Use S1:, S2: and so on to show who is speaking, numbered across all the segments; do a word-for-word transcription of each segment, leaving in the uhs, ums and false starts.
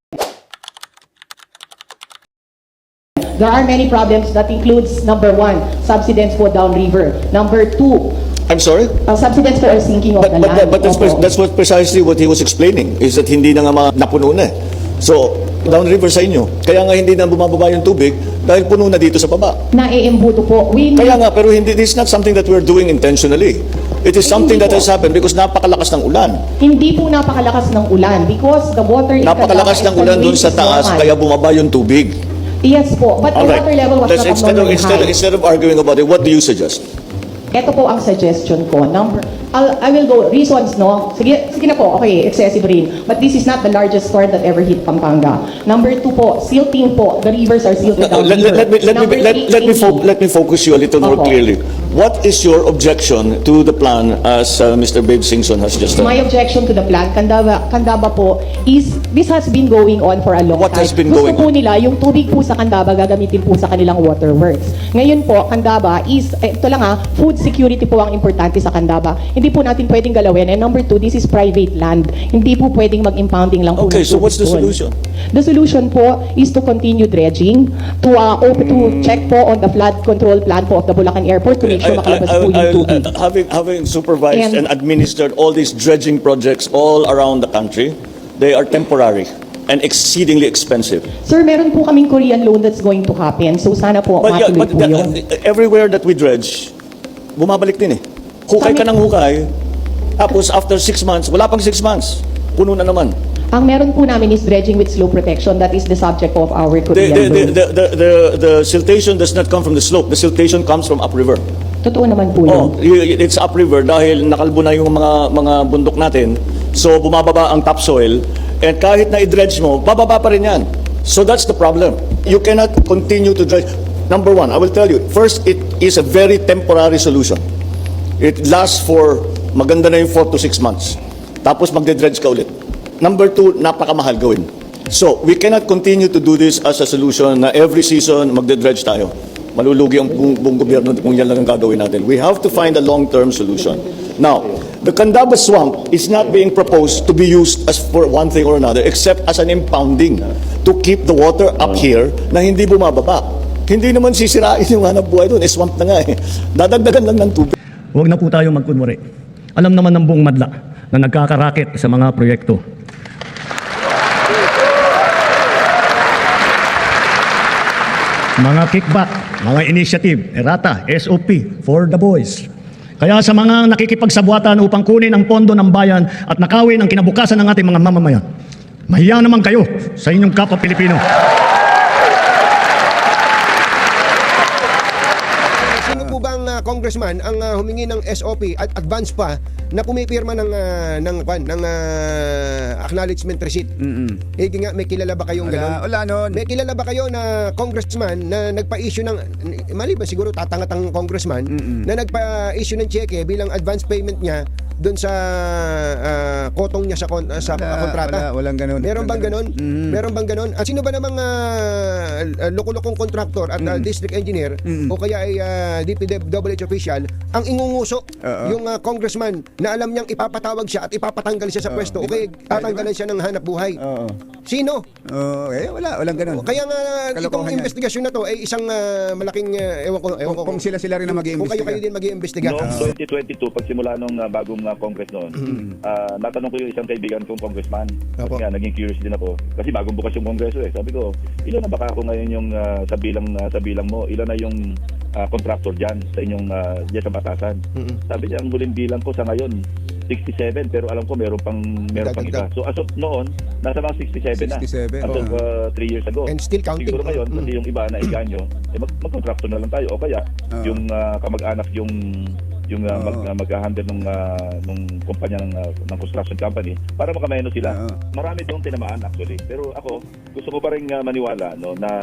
S1: There are many problems that includes, number one, subsidence po downriver. Number two,
S2: I'm sorry?
S1: uh, subsidence for our sinking of
S2: But,
S1: the
S2: but,
S1: land.
S2: but that's,
S1: Opo.
S2: that's what precisely what he was explaining, is that hindi na nga mga napuno na. So, downriver sa inyo. Kaya nga hindi na bumababa yung tubig dahil puno na dito sa baba.
S1: Naiimbuto po. We need,
S2: Kaya nga, pero hindi, this is not something that we're doing intentionally. It is something that has happened because napakalakas ng ulan.
S1: hindi po napakalakas ng ulan because the water in
S2: Napakalakas ng
S1: Candaba
S2: ulan doon sa
S1: is
S2: taas,
S1: normal.
S2: kaya bumaba yung tubig.
S1: Yes po, but the
S2: All right.
S1: water level was
S2: Let's,
S1: not
S2: instead, of,
S1: abnormally
S2: instead,
S1: high.
S2: instead of arguing about it, what do you suggest?
S1: Ito po ang suggestion ko. Number, I'll, I will go, reasons, no? Sige, sige na po, okay, excessive rain. But this is not the largest storm that ever hit Pampanga. Number two po, silting po. The rivers are silted
S2: No,
S1: down
S2: let, let, let me, let,
S1: Number
S2: me, let,
S1: three,
S2: let, me fo-
S1: sinking.
S2: let me focus you a little more
S1: Opo.
S2: clearly. What is your objection to the plan as uh, Mister Babe Singson has just
S1: My
S2: done?
S1: objection to the plan, Candaba, Candaba po, is this has been going on for a long
S2: What
S1: time.
S2: has been
S1: Gusto
S2: going
S1: po
S2: on?
S1: nila, yung tubig po sa Candaba gagamitin po sa kanilang waterworks. Ngayon po, Candaba is, eh, ito lang ha, food security po ang importante sa Candaba. Hindi po natin pwedeng galawin. And number two, this is private land. Hindi po pwedeng mag-impounding lang po
S2: Okay,
S1: ng
S2: so what's the
S1: tubig doon.
S2: solution?
S1: The solution po is to continue dredging, to uh, open, to check po on the flood control plan po of the Bulacan Airport to make sure makalabas po yung
S2: I-
S1: tubig.
S2: I- having, having supervised and,
S1: And-
S2: administered all these dredging projects all around the country, they are temporary and exceedingly expensive.
S1: Sir, meron po kaming Korean loan that's going to happen. So sana po
S2: But, yeah,
S1: matuloy
S2: but
S1: po
S2: the-
S1: yun.
S2: everywhere that we dredge, bumabalik din eh. Hukay ka
S1: Kami-
S2: ng hukay, tapos after six months, wala pang six months, puno na naman.
S1: Ang meron po namin is dredging with slope protection. That is the subject of our
S2: The,
S1: Korean
S2: the, the,
S1: loan.
S2: the, the, the, the siltation does not come from the slope. The siltation comes from upriver.
S1: Totoo naman po
S2: Oh,
S1: yun.
S2: y- it's upriver dahil nakalbo na yung mga mga bundok natin. So bumababa ang topsoil and kahit na i-dredge mo, bababa pa rin yan. So that's the problem. You cannot continue to dredge. Number one, I will tell you, first, it is a very temporary solution. It lasts for, maganda na yung four to six months. Tapos magde-dredge ka ulit. Number two, napakamahal gawin. So, we cannot continue to do this as a solution na every season magde-dredge tayo. Malulugi ang buong, buong gobyerno kung yan lang ang gagawin natin. We have to find a long-term solution. Now, the Candaba Swamp is not being proposed to be used as for one thing or another except as an impounding to keep the water up here na hindi bumababa. Hindi naman sisirain yung hanap buhay doon. Eh, swamp na nga eh. Dadagdagan lang ng tubig.
S3: Huwag na po tayo magkunwari. Alam naman ng buong madla na nagkakarakit sa mga proyekto. Mga kickback, mga initiative, errata, S O P, for the boys. Kaya sa mga nakikipagsabuatan upang kunin ang pondo ng bayan at nakawin ang kinabukasan ng ating mga mamamayan, mahiya naman kayo sa inyong kapwa Pilipino.
S4: Sino po bang uh, congressman ang uh, humingi ng S O P at advance pa na pumipirma ng uh, ng kwan ng uh, acknowledgement receipt?
S5: Mm-mm.
S4: Eh di nga, may kilala ba kayong
S5: Wala,
S4: gano'n?
S5: wala nun.
S4: May kilala ba kayo na congressman na nagpa-issue ng, mali ba siguro tatangat ang congressman,
S5: Mm-mm.
S4: na nagpa-issue ng cheque bilang advance payment niya doon sa uh, kotong niya sa, kon- uh, sa
S5: Wala,
S4: kontrata?
S5: wala, walang ganun.
S4: Meron bang ganon?
S5: Mm.
S4: Meron bang ganon? At sino ba namang uh, uh, loko-lokong kontraktor at uh, district engineer
S5: Mm.
S4: o kaya ay uh, D P W H official ang ingunguso
S5: Oo.
S4: yung uh, congressman na alam niyang ipapatawag siya at ipapatanggal siya sa
S5: Oo,
S4: pwesto o
S5: di ba?
S4: kaya tatanggalan siya ng hanap buhay?
S5: Oo.
S4: Sino?
S5: Oo, eh, wala, walang ganun.
S4: Kaya nga itong
S5: Kalokohan yan.
S4: investigasyon na to ay isang uh, malaking uh, ewan ko ewan ko
S5: Kung sila-sila rin na
S4: Kung
S5: mag-iimbestiga.
S4: kayo kayo din mag-iimbestiga.
S6: Noong twenty twenty-two, pagsimula nung uh, bagong uh, Congress noon, ah, natanong ko yung isang kaibigan kong congressman. Kasi
S4: Opo.
S6: nga, naging curious din ako. Kasi bagong bukas yung Kongreso eh. Sabi ko, ilan na baka ako ngayon yung uh, sa bilang uh, sa bilang mo? Ilan na yung uh, contractor dyan sa inyong uh, dyan sa batasan? Sabi niya, ang huling bilang ko sa ngayon, sixty-seven, pero alam ko meron pang meron pang iba.
S4: Dagdag.
S6: So as of noon, nasa mga sixty-seven na.
S5: sixty-seven,
S6: As of
S4: oo.
S6: uh, three years ago.
S4: And still counting.
S6: Siguro ngayon,
S4: Mm.
S6: kasi yung iba na iganyo, eh, mag mag-contractor na lang tayo. O kaya,
S5: Oo.
S6: yung uh, kamag-anak yung yung uh, mag,
S5: Oo.
S6: uh, mag-handle ng uh, nung kumpanya ng uh, ng construction company para makameno sila.
S5: Oo.
S6: Marami doon tinamaan actually. Pero ako, gusto ko pa rin uh, maniwala no na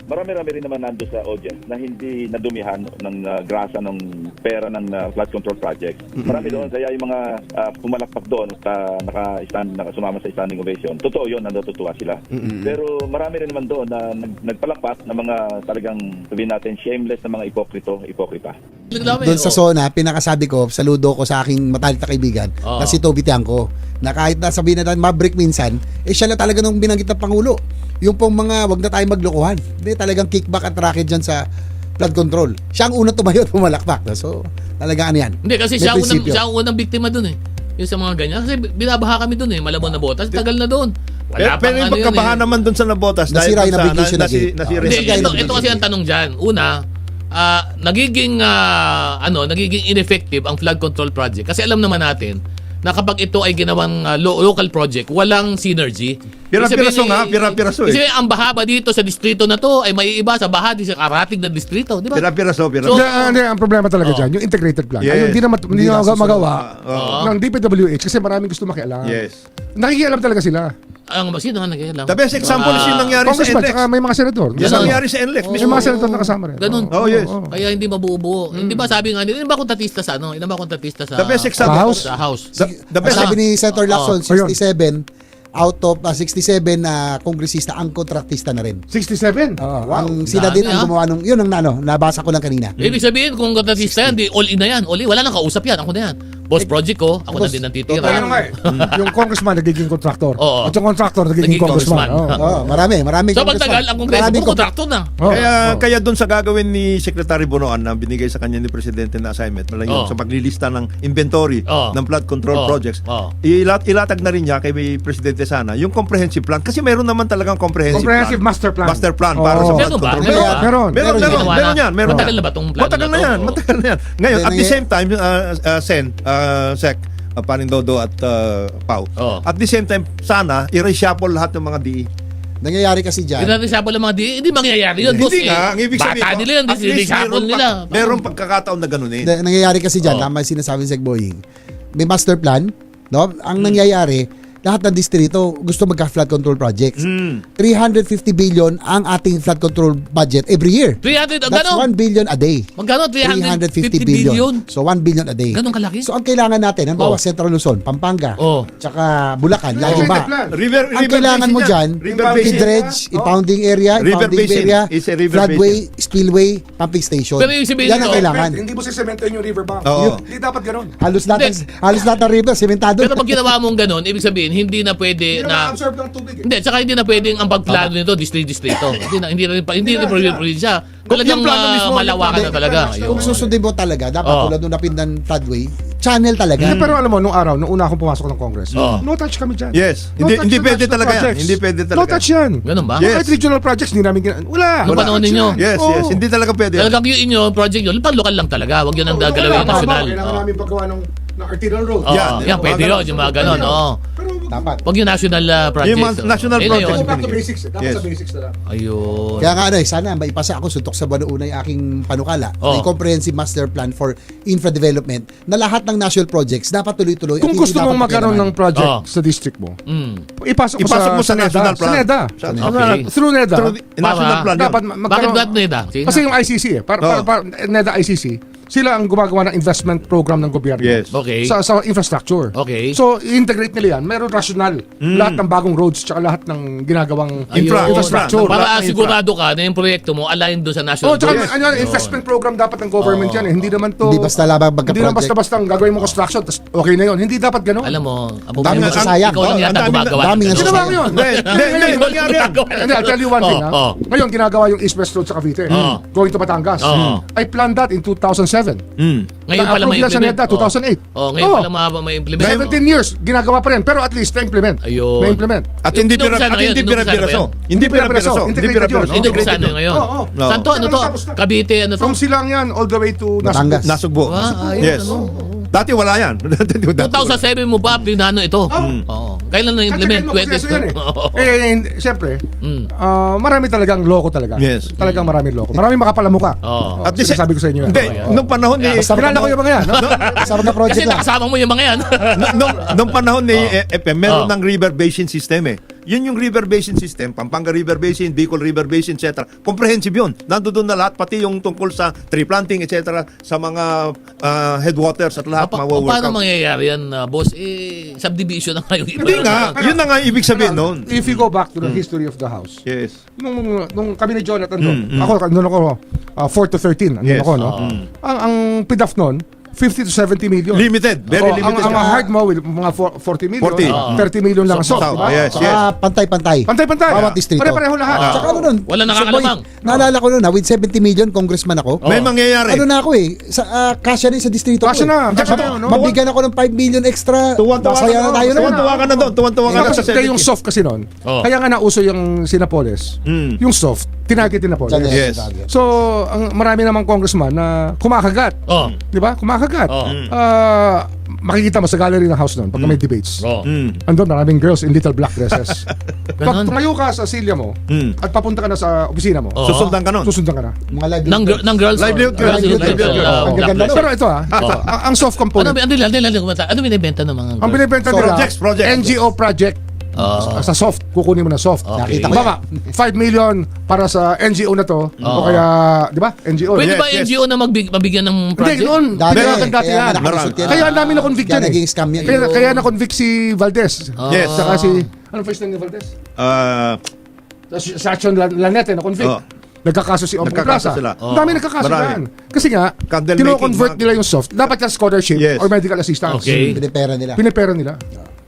S6: marami-rami rin naman nando sa audience na hindi nadumihan ng uh, grasa ng pera ng uh, flood control project. Marami doon, kaya yung mga uh, pumalakpak doon at uh, naka-stand, naka-sumama sa standing ovation, totoo yun, natutuwa sila. Pero marami rin naman doon na nag, nagpalakpak na mga talagang, sabihin natin, shameless na mga ipokrito, ipokrita.
S5: Doon sa zona, pinakasabi ko, saludo ko sa aking matalik na kaibigan,
S7: Oo.
S5: na si Toby Tiangco, na kahit na sabihin natin mabrik minsan, eh siya na talaga nung binanggit ng Pangulo. Yung pong mga, wag na tayo maglokohan. Hindi, talagang kickback at racket dyan sa flood control. Siya ang unang tumayo at pumalakpak. So, talaga ano yan.
S7: Hindi, kasi
S5: May
S7: siya ang unang,
S5: prinsipyo.
S7: siya ang unang biktima dun eh. Yung sa mga ganyan. Kasi binabaha kami dun eh. Malabon na botas. Tagal na dun. Wala
S8: Pero, pero yung
S7: pang ano
S8: pagkabaha
S7: yun eh.
S8: naman doon sa nabotas
S5: Nasira
S8: dahil
S5: yung
S8: dun sa-
S5: navigation
S8: na,
S5: again.
S8: nasi, nasira
S7: Hindi,
S8: yung-
S5: Sige,
S7: ito,
S5: sige,
S7: ito kasi
S5: sige.
S7: ang tanong dyan. Una, ah, nagiging, ah, ano, nagiging ineffective ang flood control project. Kasi alam naman natin na kapag ito ay ginawang ah, lo- local project, walang synergy.
S8: Pira-piraso
S7: Ibig sabihin,
S8: nga,
S7: eh,
S8: pira-piraso eh.
S7: ibig sabihin, ang baha ba dito sa distrito na to ay may iba sa baha di sa karating na distrito, di ba?
S8: Pira-piraso, piraso.
S7: So,
S9: Hindi, ah, hindi, ang problema talaga
S7: Oh.
S9: dyan, yung integrated plan.
S8: Yes.
S9: Ay, hindi na, mat- hindi
S5: Hindi
S9: na
S5: na susunod.
S9: magawa
S8: Oo.
S9: ng D P W H kasi maraming gusto makialam.
S8: Yes.
S9: Nakikialam talaga sila.
S7: ang sino nga nag-alam?
S8: The best example is yung nangyari sa
S9: Congressman,
S8: N L E X.
S9: tsaka may mga senador.
S8: Yung
S7: Ganun.
S8: nangyari sa N L E X.
S7: Oo.
S9: May mga senador na kasama rin.
S7: Ganun.
S8: Oh, yes.
S9: oo.
S7: Kaya hindi mabubuo. Hindi ba sabi nga nila, ilan ba kontatista sa ano? Ilan ba kontatista sa
S8: The best
S9: Sa
S8: example.
S9: House?
S7: Sa House.
S8: The, the best
S5: Sabi ni Senator Lacson,
S9: Oh, ayun.
S5: sixty-seven out of uh, sixty-seven na kongresista ang kontraktista na rin.
S9: sixty-seven?
S5: Oo,
S9: Wow.
S5: ang sila
S7: Dami,
S5: din ang
S7: ah.
S5: gumawa nung, yun ang ano, nabasa ko lang kanina.
S7: Ibig sabihin, kung kontatista yan, di all in na yan. All in. Wala nang kausap yan. Ako na yan. Boss project ko, ako na
S5: Boss,
S7: din ang
S9: Kaya
S7: titira.
S9: ano nga eh, yung congressman nagiging contractor.
S7: Oo.
S9: At yung contractor
S7: Nagiging
S9: nagiging congressman.
S7: congressman.
S9: Oo.
S5: Oo, marami, marami.
S7: So pagtagal, ang kongreso,
S5: Maraming
S7: puro kontrakto na.
S9: Oo.
S8: Kaya
S9: Oo.
S8: kaya doon sa gagawin ni Secretary Bonoan na binigay sa kanya ni Presidente na assignment, malang yun,
S7: Oh.
S8: sa paglilista ng inventory
S7: Oh.
S8: ng flood control
S7: Oh.
S8: projects,
S7: Oh.
S8: ilat ilatag na rin niya kay Presidente sana yung comprehensive plan kasi meron naman talagang comprehensive,
S9: Comprehensive
S8: plan.
S9: master plan.
S8: Master plan para
S9: Oo.
S8: sa flood
S7: Meron ba?
S8: control.
S7: Meron
S8: Meron,
S7: ba?
S9: Meron.
S8: meron,
S5: Meron
S8: meron,
S7: ginawa
S8: meron
S7: na.
S8: yan, meron.
S7: Matagal na ba tong plano
S8: Matagal
S7: na
S8: na
S7: to?
S8: yan,
S7: Oo.
S8: matagal na yan. Ngayon,
S5: Then,
S8: at the
S5: nangy-
S8: same time, uh, uh, Sen, uh, Sec, uh, Paring Dodo at uh, Pau,
S7: Oo.
S8: at the same time, sana, i-reshuffle lahat ng mga D E.
S5: Nangyayari kasi dyan.
S7: Pinag-reshuffle ng mga di, hindi mangyayari yun. boss,
S8: Hindi
S7: eh.
S8: nga, ang ibig sabihin
S7: Bata
S8: ko,
S7: nila yun,
S8: at least
S7: reshuffle
S8: meron
S7: nila.
S8: pa- Merong pagkakataon na ganun eh.
S5: Na- nangyayari kasi dyan,
S7: Oo.
S5: tama yung sinasabi ni Sec Boying. May master plan, no?
S7: Hmm.
S5: Ang nangyayari, lahat ng distrito gusto magka-flood control projects.
S8: Hmm.
S5: three hundred fifty billion ang ating flood control budget every year.
S7: three hundred, ang
S5: That's
S7: gano'n?
S5: one billion a day.
S7: Magkano?
S5: three hundred fifty billion. So one billion a day.
S7: Ganon kalaki?
S5: So ang kailangan natin, ang
S7: Oh.
S5: bawa Central Luzon, Pampanga,
S7: Oh.
S5: tsaka Bulacan,
S9: Integrated
S5: Lagimba.
S9: plan.
S8: River,
S5: Ang
S8: river
S5: kailangan
S8: basin
S5: mo
S8: yan.
S5: dyan,
S8: River basin.
S5: i-dredge, impounding area,
S8: River
S5: impounding
S8: basin
S5: area,
S8: is a river
S5: floodway, spillway, pumping station.
S7: Pero yung sabihin
S5: Yan ang
S7: nito,
S5: kailangan.
S9: Hindi mo sisementoin yung riverbank.
S8: Oo.
S9: Hindi dapat ganun.
S5: Halos lahat, ng,
S7: Hindi.
S5: halos lahat ng river, sementado.
S7: Pero pag ginawa mong ganun, ibig sabihin, hindi na pwede
S9: Hindi
S7: na...
S9: na ma-absorb ng tubig eh.
S7: Hindi, tsaka hindi na pwedeng ang pagplano nito, district-distrito. hindi na, hindi na rin, pa- hindi na rin probinsya. Talagang
S8: Yung plano
S7: ah,
S8: mismo,
S7: malawakan na talaga.
S5: Kung
S7: Ayun.
S5: susundin mo talaga, dapat
S7: Oo.
S5: tulad nung napindan floodway, channel talaga.
S9: Hindi, pero alam mo, nung araw, nung una akong pumasok ng Congress,
S7: Oo.
S9: no touch kami dyan.
S8: Yes.
S9: No
S8: Hindi-
S9: touch
S8: hindi
S9: na
S8: pwede
S9: touch na
S8: talaga yan.
S9: projects.
S8: Hindi pwede
S9: No
S8: talaga.
S9: touch yan.
S7: Ganun ba?
S8: Yes.
S9: Kahit regional projects, hindi namin gina- Wala.
S7: Nung
S9: Wala
S7: panahon
S9: touch
S7: ninyo?
S9: yan.
S8: Yes,
S9: Oo.
S8: yes. Hindi talaga pwede.
S7: Talagang yung inyo, project nyo, pang lokal lang talaga. Huwag yun ang
S9: Oo,
S7: gagalawin
S9: wala,
S7: national.
S9: tama. Kailangan
S7: Oo.
S9: namin paggawa ng, ng arterial road.
S7: Oo,
S8: Yan,
S7: yan, pwede
S8: mga
S7: yun, yung mga ganon. Oo.
S9: Pero
S5: Dapat.
S7: Huwag yung national uh, project.
S8: Yung mga national
S7: Ayun na
S8: projects.
S7: yun.
S9: go back to basics. eh. Dapat
S8: Yes.
S9: sa basics na lang.
S7: Ayun.
S5: Kaya nga ano eh, sana maipasa ako, suntok sa buwan una yung aking panukala.
S7: Oo.
S5: May comprehensive master plan for infra development na lahat ng national projects dapat tuloy-tuloy.
S9: Kung
S5: at hindi
S9: gusto
S5: dapat
S9: mong magkaroon ng
S5: pakialaman.
S9: project
S7: Oo.
S9: sa district mo,
S7: Mm.
S9: ipasok mo,
S8: Ipasok mo sa
S9: NEDA.
S8: national plan.
S9: Sa NEDA.
S8: Sa-
S7: Okay.
S9: Through NEDA.
S8: Through the- national
S7: Para-
S8: plan yun.
S9: Dapat ma-
S7: Bakit
S9: magkaroon.
S7: ba't NEDA? Sige
S9: Kasi
S7: nga.
S9: yung I C C eh. Para, para,
S8: Oo.
S9: para, NEDA I C C, sila ang gumagawa ng investment program ng gobyerno.
S8: Yes.
S7: Okay.
S9: Sa, sa infrastructure.
S7: Okay.
S9: So, i-integrate nila yan. Meron rational. Lahat ng bagong roads tsaka lahat ng ginagawang
S7: Ayun.
S8: Infra,
S9: infrastructure.
S8: infra.
S7: Para
S8: Lahat ng
S7: sigurado ka na yung proyekto mo align doon sa national
S9: Oh, tsaka
S7: goals.
S9: ano, investment program dapat ng government yan eh. Hindi naman to...
S5: Hindi basta labang
S9: Hindi
S5: magka-project.
S9: naman basta-basta ang gagawin mo construction tas okay na yun. Hindi dapat ganun.
S7: Alam mo, ang
S5: Dami
S7: problema,
S5: ang sayang.
S7: ikaw lang
S8: Oh,
S7: yata
S8: ang dami-
S7: gumagawa.
S5: dami
S7: ng
S5: ang
S7: ganun.
S9: Ginawa ko yun.
S8: Hindi, hindi, hindi, mangyari yan.
S9: Hindi, I'll tell you one thing.
S7: Oh,
S9: ha?
S7: oh.
S9: Ngayon, ginagawa yung East-West Road sa Cavite.
S7: Oh.
S9: Going to Batangas.
S7: Oh.
S9: I planned that in two thousand seven.
S8: Hmm.
S7: Ngayon pala may
S9: Na-approve lang sa
S7: implement.
S9: NEDA, two thousand eight.
S7: Oh, ngayon
S9: Oh.
S7: pala ma- may implement.
S9: seventeen years, ginagawa pa rin. Pero at least, na-implement.
S7: Ayun.
S9: Na-implement.
S8: At hindi
S7: Inumpisa
S8: pira
S7: na
S8: at
S7: ngayon,
S8: hindi
S7: inumpisa na
S8: pira-piraso.
S7: ba
S8: Hindi pira-piraso. Hindi
S9: Integrated
S8: pira-piraso.
S9: yun, no?
S7: Hindi ko sana ngayon.
S9: Oo, oo.
S8: No.
S7: Saan to? Ano to?
S9: Tapos na.
S7: Cavite, ano to?
S9: From Silang yan, all the way to
S5: Batangas.
S9: Nasugbu.
S8: Nasugbo.
S7: Ah, ayun,
S8: Yes.
S7: ano?
S8: Dati wala yan.
S7: two thousand seven mo ba, plinano ito? Oo. Kailan na-implement?
S9: Kasi
S7: twenty
S9: proseso yan eh.
S7: Oo.
S9: Eh, hindi- siyempre,
S7: Mm.
S9: ah, marami talagang loko talaga.
S8: Yes.
S9: Talagang maraming loko. Maraming makapalamuka.
S7: Oo.
S9: At least sabi ko sa inyo yan.
S8: Hindi, nung panahon ni
S5: Basta
S9: Kilala ko yung mga yan. no?
S5: Sarap na
S7: Kasi
S5: project lang.
S7: nakasama mo yung mga yan.
S8: nung, nung panahon ni eh, F M, meron
S7: Oh.
S8: ng river basin system eh. Yun yung river basin system, Pampanga River Basin, Bicol River Basin, et cetera. Comprehensive yun. Nandoon na lahat, pati yung tungkol sa tree planting, et cetera, sa mga ah, headwaters at lahat,
S7: Pa- pa-
S8: mawa-work
S7: paano
S8: out.
S7: mangyayari yan, uh, boss? Eh, subdivision na nga yung iba.
S8: Hindi nga, yun na nga ibig sabihin noon.
S9: If you go back to the history of the house,
S8: Yes.
S9: nung, nung kami ni Jonathan doon,
S8: Mm, mm.
S9: ako, nung ako, uh, four to thirteen, andun
S8: Yes.
S9: ako, no? Ang, ang P D A F noon, fifty to seventy million.
S8: Limited, very
S9: Oo,
S8: limited.
S9: Ang, ang
S8: siya.
S9: hard mo, will, mga four- forty million,
S8: forty.
S9: thirty million lang ang
S7: So,
S9: soft,
S8: so,
S9: di ba?
S8: yes, yes.
S5: Saka pantay-pantay.
S9: Pantay-pantay.
S5: Bawat distrito.
S9: Pare-pareho lahat.
S7: Ah.
S5: Tsaka ano nun?
S7: Wala
S5: Sir
S7: nakakalamang.
S5: Boy, naalala ko nun, ha, with seventy million, congressman ako.
S8: May mangyayari.
S5: Ano na ako eh, sa uh, kasya rin sa distrito
S9: Kasya
S5: ko.
S9: na,
S5: eh.
S9: kasya
S5: Tsaka,
S9: na, no?
S5: Mabigyan ako ng five million extra.
S8: Tuwan-tuwa ka
S5: Masaya
S8: na
S5: na tayo
S8: doon.
S5: nun.
S8: Tuwan-tuwa ka na doon. Tuwan-tuwa ka na
S9: Tapos
S8: sa
S9: ito yung
S8: seventy.
S9: soft kasi noon.
S7: Oh.
S9: Kaya nga nauso yung Sinapoles.
S8: Mm.
S9: Yung soft, tinarget Sinapoles.
S8: Yes.
S9: So, ang marami namang congressman na kumakagat.
S7: Oh.
S9: Di ba? Kumakagat.
S7: Oh.
S9: Ah, makikita mo sa gallery ng house noon pagka may debates.
S7: Oh.
S8: Mm.
S9: Andun, maraming girls in little black dresses. Pag
S7: Ganon?
S9: tumayo ka sa silya mo
S8: Mm.
S9: at papunta ka na sa opisina mo,
S7: Oh.
S8: Susundan ka nun.
S9: susundan ka na.
S5: Mga live.
S7: Ng, gir- ng girls.
S8: Livelihood
S7: girls,
S8: girls,
S7: girls,
S8: livelihood
S7: girls,
S8: girls.
S7: uh,
S5: Ang
S7: black
S5: gaganda
S7: dress.
S9: Pero ito ah, ito,
S7: Oh.
S9: ang, ang soft
S7: Ano,
S9: component,
S7: ano, ano, ano, ano, ano binibenta ng mga
S9: ang
S7: girls?
S9: binibenta
S5: So,
S9: nila,
S8: projects, projects.
S9: N G O project.
S7: Oh.
S9: Sa soft, kukunin mo na soft.
S7: Okay.
S5: Nakita ko
S9: Baka, five million para sa N G O na to, o kaya, di ba? N G O.
S7: Pwede
S8: Yes,
S7: ba
S8: yes.
S7: N G O na magbig- mabigyan ng
S9: Hindi,
S7: project?
S9: noon,
S5: Dati,
S9: pinayagan dati
S5: kaya
S9: yan.
S5: nakalusot yan.
S9: Kaya ang dami na convict
S5: Kaya
S9: yan eh.
S5: naging scam yan.
S9: Kaya, kaya na-convict si Valdez.
S8: Yes.
S9: Saka si, anong first name ni Valdez?
S8: Ah,
S9: Si si Action Lan- Lanete na-convict.
S8: Oh.
S9: Nagkakaso si Ompong
S8: Nagkakaso
S9: Plaza.
S8: sila.
S9: Ang dami nagkakaso
S8: Marami.
S9: yan. Kasi nga,
S8: Candle
S9: tino-convert
S8: making,
S9: nila yung soft. Dapat yan scholarship
S8: Yes.
S9: or medical assistance.
S7: Okay.
S5: Pinipera nila.
S9: Pinipera nila.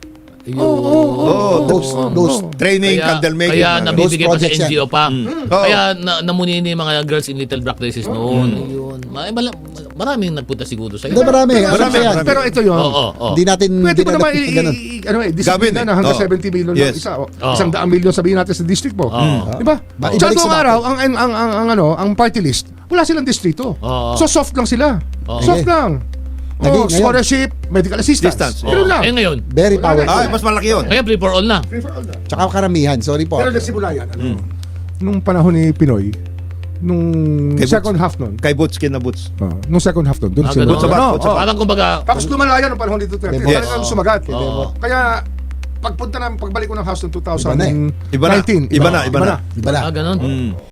S8: oh,
S5: Those, those.
S8: training,
S7: Kaya,
S8: candle making.
S7: kaya
S8: mga-
S7: nabibigay pa sa
S5: projects
S7: N G O pa.
S8: Oo.
S7: Kaya na, namunini yung mga girls in little black dresses noon. Ayun. Ma- mala- maraming nagpunta siguro sa
S5: Hindi, marami.
S8: Marami,
S5: Marami yan.
S8: marami.
S9: Pero ito yun.
S7: Oo, oo, oo.
S5: Hindi natin,
S9: Pwede
S5: hindi
S9: mo naman
S5: natin
S9: i-
S5: ganun.
S9: i- ano eh, disiplina
S8: Gawin eh.
S9: na hanggang
S8: Oo.
S9: seventy million
S8: Yes.
S9: lang isa. O,
S7: Oo.
S9: Isang daang million sabihin natin sa district mo.
S7: Oo.
S9: Di ba?
S5: Ba-
S9: Sa
S5: ibalik
S9: buong
S5: sa
S9: araw, ang, ang, ang, ang, ang, ano, ang party list, wala silang distrito.
S7: Oo.
S9: So soft lang sila.
S7: Oo.
S9: Soft
S5: Sige.
S9: lang.
S5: Naging-
S9: Oh,
S5: ngayon.
S9: scholarship, medical assistance.
S8: Distance.
S9: Ganun lang.
S7: Eh ngayon,
S5: Very powerful.
S8: Ay, mas malaki yun.
S7: kaya free for all na.
S9: Free for all na.
S5: Tsaka karamihan. Sorry po.
S9: Pero nagsimula yan. Ano, nung panahon ni Pinoy, nung
S8: Kay
S9: second half nun,
S8: Kay Boots, kin na Boots.
S9: ah, nung second half nun,
S7: Ah,
S9: doon nagsimula.
S7: ganun.
S8: Butsabat,
S9: Ano,
S8: butsabat.
S9: oh.
S7: Parang kumbaga,
S9: Tapos lumala yan nung panahon ni Duterte.
S5: Yes.
S9: Talagang sumagat.
S7: Oo.
S9: Kaya, pagpunta na, pagbalik ko ng house ng
S5: Iba na eh.
S8: Iba na.
S9: twenty nineteen,
S8: Iba na, iba na.
S5: Iba na.
S7: ah, ganun.
S8: Mm.